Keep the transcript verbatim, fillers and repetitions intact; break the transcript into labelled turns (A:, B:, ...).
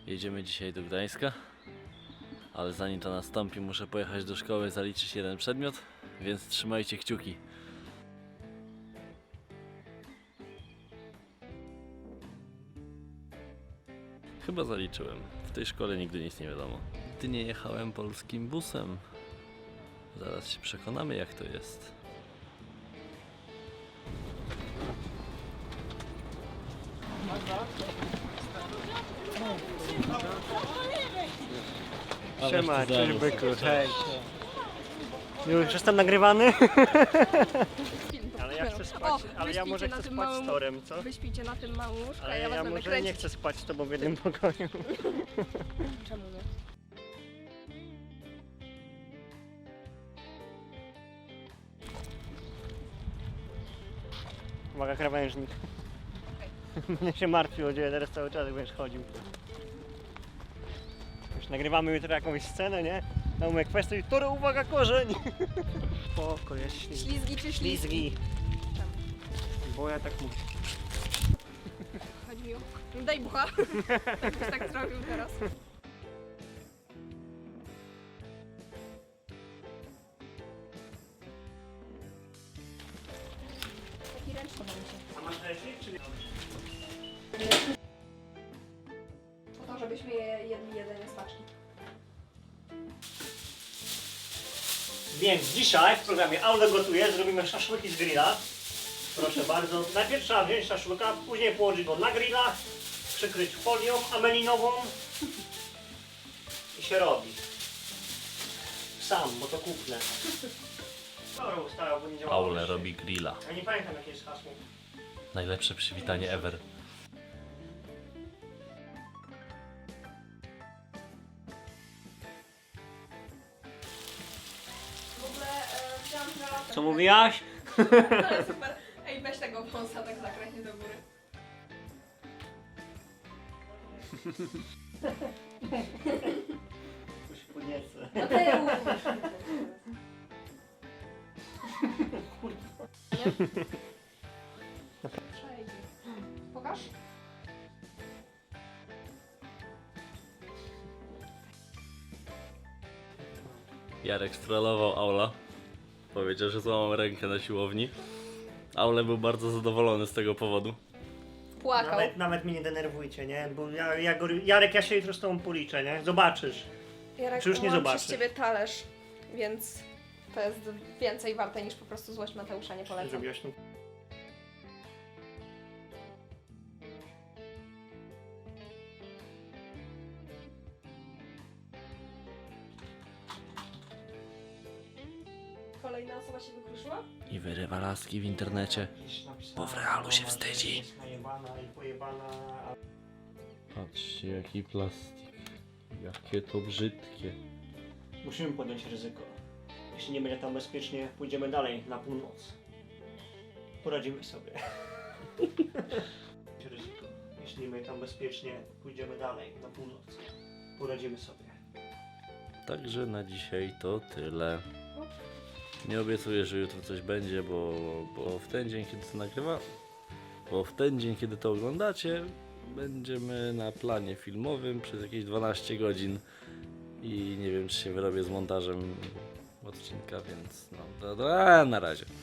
A: Jedziemy dzisiaj do Gdańska, ale zanim to nastąpi, muszę pojechać do szkoły, zaliczyć jeden przedmiot, więc trzymajcie kciuki. Chyba zaliczyłem. W tej szkole nigdy nic nie wiadomo. Nigdy nie jechałem polskim busem. Zaraz się przekonamy, jak to jest.
B: Siema, cześć byku, hej. Już jestem nagrywany? Ale ja chcę spać,
C: O,
B: ale ja może
C: wyśpijcie
B: chcę
C: na tym
B: spać
C: małym-
B: z Torem, co?
C: Wyśpijcie na tym małym łóżku, a
B: Ale
C: ja was
B: ja
C: będę
B: może
C: kręcić.
B: nie chcę spać z tobą w jednym pokoju.
C: Czemu nie?
B: Uwaga, krawężnik. Mnie się martwi o ciebie teraz cały czas, jak będziesz chodził. Już nagrywamy jutro jakąś scenę, nie? Na umę kwestię i Toro, uwaga, korzeń! Spoko, jest ślizgi.
C: Ślizgi czy ślizgi?
B: Ślizgi. Bo ja tak mówię.
C: Chodzi mi o... No daj bucha. Jakbyś tak zrobił teraz. Taki ręczny będzie.
B: A masz ręcznik, czy nie?
C: Po to, żebyśmy je jedli jedzenie z paczki.
B: Więc dzisiaj w programie Aule gotuje, zrobimy szaszłyki z grilla. Proszę bardzo. Najpierw trzeba wziąć szaszłyka, później położyć go na grilla, przykryć folią amelinową i się robi. Sam, bo to kupne. Dobra, ustała, bo nie działa.
A: Aule robi grilla.
B: Ja nie pamiętam jakie jest hasło.
A: Najlepsze przywitanie ever.
C: W ogóle e, wziąłam żelazę.
B: Co mówiłaś?
C: Ale super. Ej, weź tego wąsa tak zakrętnie do góry.
B: To się podniecę.
C: Mateusz! Przejdzie. Pokaż.
A: Jarek strollował Aula. Powiedział, że złamał rękę na siłowni. Aule był bardzo zadowolony z tego powodu.
C: Płakał.
B: Nawet, nawet mnie nie denerwujcie, nie? Bo ja, ja go, Jarek, ja się jutro z tobą policzę, nie? Zobaczysz.
C: Jarek,
B: Czy już nie
C: mam
B: zobaczysz?
C: przez ciebie talerz, więc to jest więcej warte niż po prostu złość Mateusza, nie polecam.
B: Zrobiłaś to.
C: Kolejna osoba się wykruszyła?
A: I wyrywa laski w internecie. Bo w realu się wstydzi.
B: Jest najebana i pojebana.
A: Patrzcie, jaki plastik. Jakie to brzydkie.
B: Musimy podjąć ryzyko. Jeśli nie będzie tam bezpiecznie, pójdziemy dalej na północ. Poradzimy sobie. ryzyko. Jeśli nie będzie tam bezpiecznie, pójdziemy dalej na północ. Poradzimy sobie.
A: Także na dzisiaj to tyle. Nie obiecuję, że jutro coś będzie, bo, bo w ten dzień, kiedy to nagrywa, bo w ten dzień, kiedy to oglądacie, będziemy na planie filmowym przez jakieś dwanaście godzin i nie wiem, czy się wyrobię z montażem odcinka, więc no, to, to, a, na razie.